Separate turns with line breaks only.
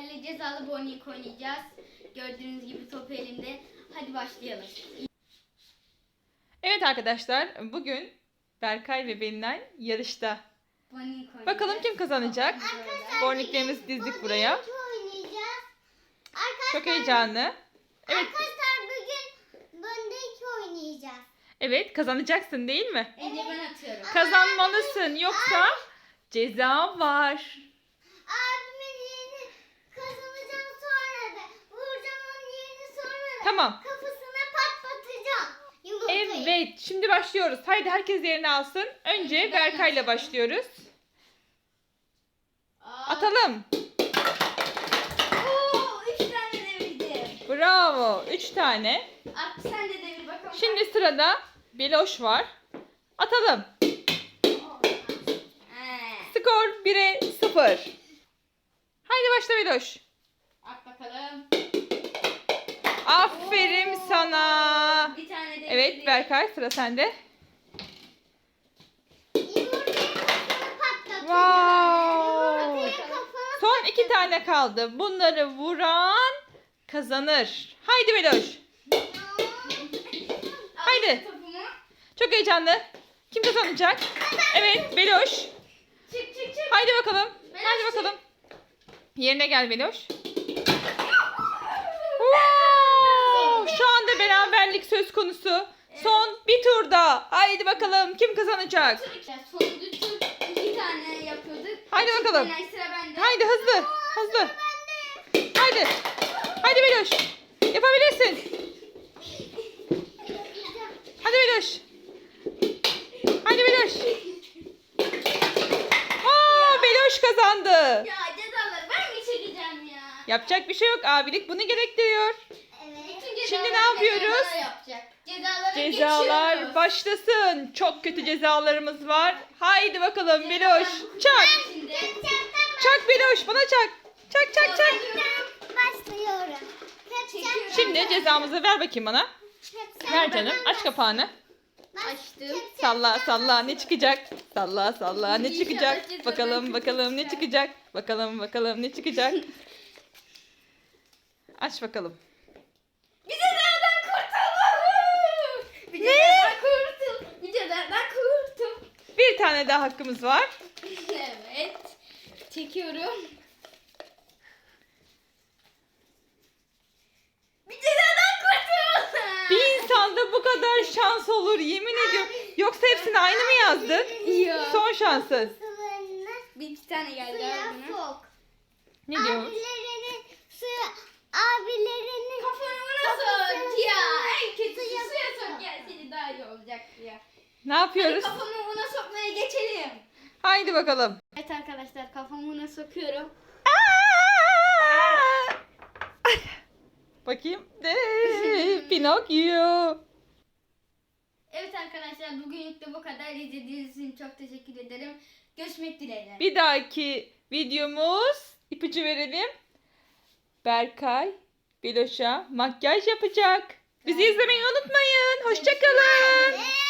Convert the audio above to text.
sizlerle cezalı bowling oynayacağız. Gördüğünüz gibi top elimde. Hadi başlayalım.
Evet arkadaşlar, bugün Berkay ve Belinay yarışta.
Bowling oynayacağız.
Bakalım kim kazanacak? Bowlinglerimizi dizdik buraya.
Oynayacağız.
Çok heyecanlı. Evet,
Arkadaşlar bugün böndeki oynayacağız.
evet kazanacaksın değil mi?
Önce ben atıyorum.
Kazanmalısın yoksa ceza var.
Abimin yerini kazanacağım sonra da. Vuracağım onun yerini sonra da.
Tamam.
Kafasına patlatacağım. Yumurtayı.
Evet, şimdi başlıyoruz. Haydi herkes yerini alsın. Önce Berkay'la başlıyoruz. Atalım.
Oo, 3 tane devirdim.
Bravo. 3 tane.
At sen de devir bakalım.
Şimdi sırada Beloş var. Atalım. Skor 1'e 0. Haydi başla Beloş.
At bakalım.
Aferin sana.
Bir tane devirdim.
Evet Berkay, sıra sende.
Yumurtayı kafasına patlatacağım.
Wow.
Yumurtayı kafana
Son 2 tane kaldı. Bunları vuran kazanır. Haydi Beloş. Haydi.
Topumu.
Çok heyecanlı. Kim kazanacak? Evet Beloş.
Çık çık çık.
Haydi bakalım.
Beloş,
Haydi
çık.
bakalım. Yerine gel Beloş. Wow! Şu anda beraberlik söz konusu. Son bir turda. Haydi bakalım kim kazanacak?
Sonuncu tur 2 tane yapıyorduk.
Haydi
Şimdi
bakalım.
sıra bende.
Haydi hızlı. Hızlı. Haydi. Haydi Beloş. Yapabilirsin. Hadi Beloş. Hadi Beloş. Aa, Beloş kazandı.
Ya cezaları ben mi çekeceğim ya?
Yapacak bir şey yok. Abilik bunu gerektiriyor.
Evet.
Bütün
Şimdi
cezaları
ne yapıyoruz?
bana yapacak. Cezalara
Cezalar
geçiyoruz.
başlasın. Çok kötü cezalarımız var. Haydi bakalım Beloş. Çak.
Şimdi.
Çak Beloş, bana çak. Çak çak çak.
Başlıyorum.
Çekiyorum.
Şimdi cezamızı ver bakayım bana. Ver canım. Aç kapağını.
Açtım.
Salla salla ne çıkacak? Salla salla ne
İnşallah
çıkacak?
cezadan
Bakalım bakalım ne
kurtulacak.
çıkacak? Bakalım bakalım ne çıkacak? Aç bakalım.
Bir cezadan kurtul. Bir cezadan kurtul. Bir cezadan kurtul.
Bir tane daha hakkımız var.
Evet. Çekiyorum. Bir cezadan kurtul.
Bir insanda bu kadar şans olur yemin ediyorum. Yoksa hepsini aynı mı yazdın?
Yok.
Son şansın.
Sularını
Bir iki tane geldi
suya
abi buna.
sok.
Ne diyor?
Abilerinin
Kafanı buna sok ya. En kötüsü suya sok gelseydi daha iyi olacaktı ya.
Ne yapıyoruz?
Kafamı buna sokmaya geçelim.
Haydi bakalım.
Evet arkadaşlar kafamı buna sokuyorum.
Aa! Bakayım. Pinokyo.
Evet arkadaşlar bugünlük de bu kadar. İzlediğiniz için çok teşekkür ederim. Görüşmek dileğiyle.
Bir dahaki videomuz, ipucu verelim. Berkay Beloş'a makyaj yapacak. Bizi izlemeyi unutmayın. Hoşça kalın.